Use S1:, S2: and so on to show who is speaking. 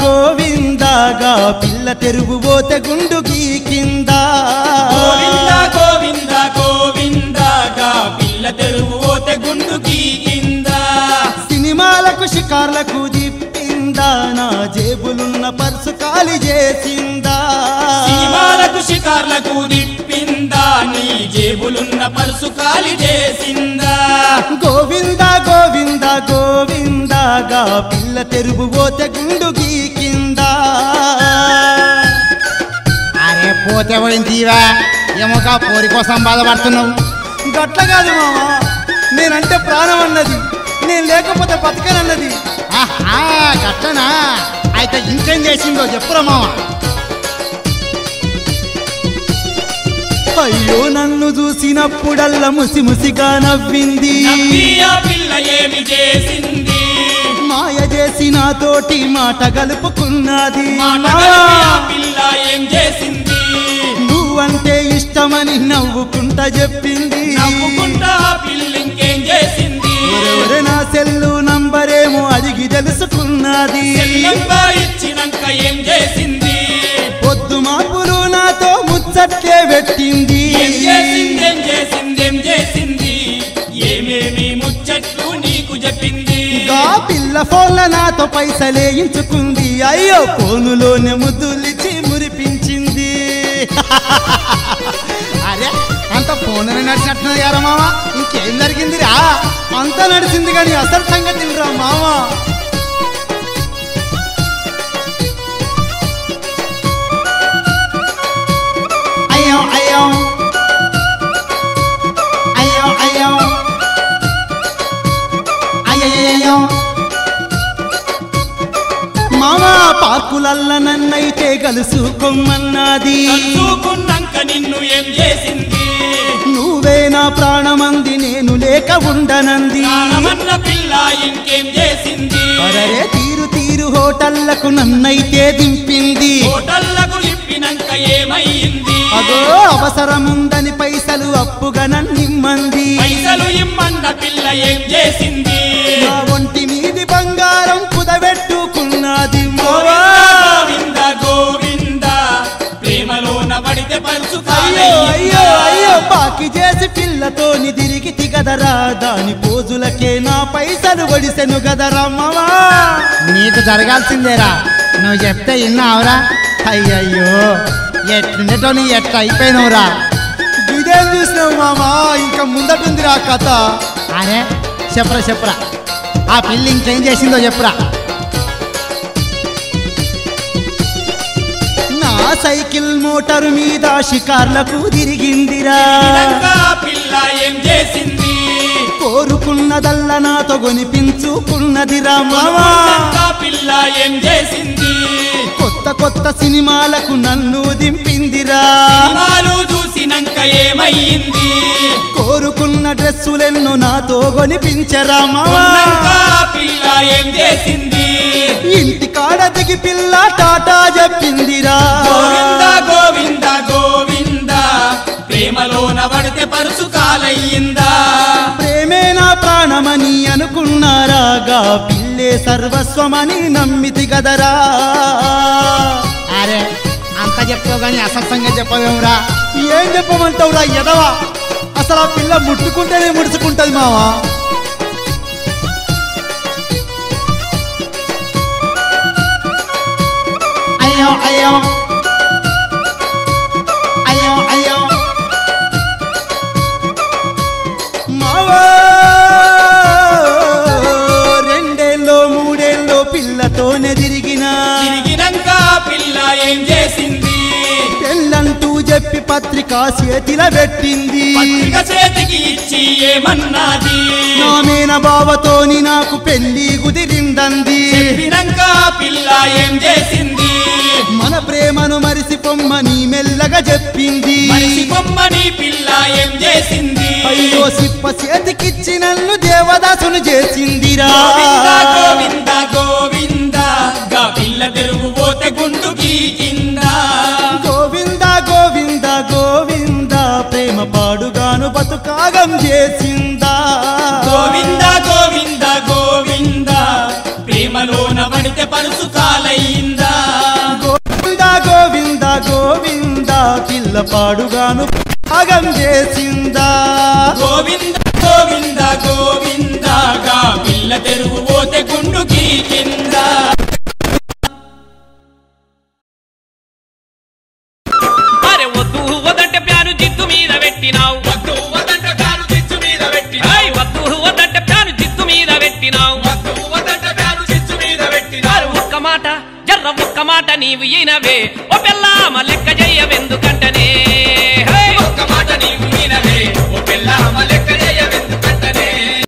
S1: గోవిందగా పిల్ల తెరువు పోతే గుండు గీకింద
S2: గోవింద గోవింద గోవిందగా పిల్ల తెరువు పోతే గుండు గీకింద
S1: సినిమాలకు షికార్లకు దిప్పిందా నా జేబులున్న పర్సు ఖాళీ చేసిందా
S2: సినిమాలకు షికార్లకు దిప్పిందా నీ జేబులున్న పర్సు ఖాళీ చేసిందా
S1: గోవింద గోవింద గోవిందగా పిల్ల తెరువు పోతే గుండు గీకిందా
S3: అరే పోతే పోయిందివా ఏమోగా పోరి కోసం బాధపడుతున్నావు
S1: గట్ల కాదు మామ నేనంటే ప్రాణం అన్నది నేను లేకపోతే బతకనన్నది
S3: ఆహా గట్టనా అయితే ఇంకేం చేసిందో చెప్పురా మామ
S1: అయ్యో నన్ను చూసినప్పుడల్లా ముసి ముసిగా నవ్వింది
S2: ఆ పిల్ల ఏమి చేసింది
S1: మాయ చేసి నాతోటి మాట గలుపుకున్నది
S2: ఆ పిల్ల ఏం చేసింది
S1: నువ్వంటే ఇష్టమని నవ్వుకుంటా చెప్పింది
S2: నవ్వుకుంటా ఆ పిల్ల ఇంకేం చేసింది
S1: ఒరే నా సెల్లు నంబరేమో అడిగి తెలుసుకున్నది
S2: నంబర్ ఇచ్చినాక ఏం చేసింది
S1: పొద్దు మాపులు నాతో ముచ్చట్లే పెట్టింది
S2: ఏం చేసింది ఏమేమి ముచ్చట్లు నీకు చెప్పింది
S1: గా పిల్ల ఫోన్ల నాతో పైసలేయించుకుంది అయ్యో ఫోనులోనే ముద్దులిచ్చి మురిపించింది
S3: అరే అంత ఫోన్ నడిచినట్టున్నది కదా మామ ఇంకేం జరిగిందిరా
S1: అంతా నడిచింది కానీ అసలు సంగతి రా మామ
S3: అయ్యో అయ్యో అయ్యో అయ్యో అయ్యో
S1: మామ పార్కులల్ల నన్నైతే కలుసుకోమన్నది
S2: చూకున్నాక నిన్ను ఏం చేసింది
S1: నువ్వే నా ప్రాణమంది నేను లేక ఉండనంది
S2: ప్రాణమన్న పిల్ల ఇంకేం చేసింది
S1: అరే తీరు తీరు హోటళ్లకు నన్నైతే దింపింది
S2: హోటళ్లకు లిప్పినాక ఏమయ్యింది
S1: అదో అవసరముందని పైసలు అప్పుగా నన్నిమ్మంది
S2: పైసలు ఇమ్మన్న పిల్ల ఏం చేసింది
S1: నా ఒంటి మీది బంగారం కుదబెట్టుకున్నది
S2: గోవింద గోవింద ప్రేమలోన పడితే పరుసు
S1: అయ్యో అయ్యో అయ్యో బాకి చేసి పిల్లతోని తిరిగి తిగదరా దాని పోజులకే నా పైసలు ఒడిసెను గదరా మావా
S3: నీకు జరగాల్సిందేరా నువ్వు చెప్తే విన్నావురా అయ్యయ్యో ఎట్లుండేటో నీ ఎట్లా అయిపోయినవురా
S1: ఇదేం చూసినావు మామా ఇంకా ముందటుందిరా కథ
S3: అరే చెప్పరా చెప్పరా ఆ పిల్లి ఇంకేం చేసిందో చెప్పురా
S1: నా సైకిల్ మోటారు మీద షికార్లకు తిరిగిందిరా
S2: పిల్ల ఏం చేసింది
S1: కోరుకున్నదల్లా నాతో కొనిపించుకున్నదిరా మావా
S2: పిల్ల ఏం చేసింది
S1: కొత్త కొత్త సినిమాలకు నన్ను దింపిందిరా
S2: సినిమాలు చూసినాక ఏమయ్యింది
S1: కోరుకున్న డ్రెస్సులెన్నో నాతో కొనిపించరా మావా
S2: పిల్ల ఏం చేసింది
S1: ఇంటి కాడ దిగి పిల్ల టాటా చెప్పిందిరా
S2: గోవింద గోవింద గోవింద ప్రేమలోన పడితే పరుసు కాలయ్యిందా
S1: ప్రేమే నా ప్రాణమని అనుకున్నారాగా పిల్లే సర్వస్వమని నమ్మితి గదరా
S3: అరే అంత చెప్తావు కానీ అసలు సంగతి చెప్పవేమురా
S1: ఏం చెప్పమంటావురా ఎదవా అసలు ఆ పిల్ల ముట్టుకుంటేనే ముడుచుకుంటది మావా
S3: అయ్యో అయ్యో అయ్యో అయ్యో
S1: మావా రెండేళ్ళో మూడేళ్ళో పిల్లతోనే
S2: తిరిగినాక పిల్ల ఏం చేసింది
S1: పెళ్ళంటూ చెప్పి పత్రిక చేతిలో పెట్టింది
S2: పత్రిక చేతికి ఇచ్చి ఏమన్నది
S1: నా మేన బావతోని నాకు పెళ్లి కుదిరిందంది
S2: చెప్పినాక పిల్ల ఏం చేసింది
S1: మన ప్రేమను మరిసిపోమ్మని మెల్లగా చెప్పింది
S2: మనిషి బొమ్మని పిల్ల ఏం చేసింది
S1: అయ్యో సిప్ప చేతికిచ్చి నన్ను దేవదాసును చేసిందిరా
S2: గోవింద గోవింద గోవింద గా పిల్ల తెరువు పోతే గుండు గీకిందా
S1: గోవింద గోవింద గోవింద ప్రేమ పాడుగాను బతుకాగం చేసిందా
S2: గోవింద గోవింద గోవింద ప్రేమలోన పడితే అయితే పరుసు కాలయిందా
S1: గోవింద గోవింద గోవింద పిల్ల పాడుగాను భాగం చేసిందా
S2: గోవింద గోవింద గోవిందగా పిల్ల తెరువు పోతే గుండుకి కింద
S4: అరే వద్దు వదంటే ప్యాను జిత్తు మీద పెట్టినావు
S2: వద్దు వదంట ప్యాను చిచ్చు మీద పెట్టినావు
S4: వద్దు వదంటే ప్యాను జిత్తు మీద పెట్టినావు
S2: వద్దు వదంట ప్యాను చిచ్చు మీద పెట్టినావు
S4: ఒక్క మాట జర్ర ఒక్క మాట నీవు ఈనవే ఓ పిల్ల లెక్క చేయ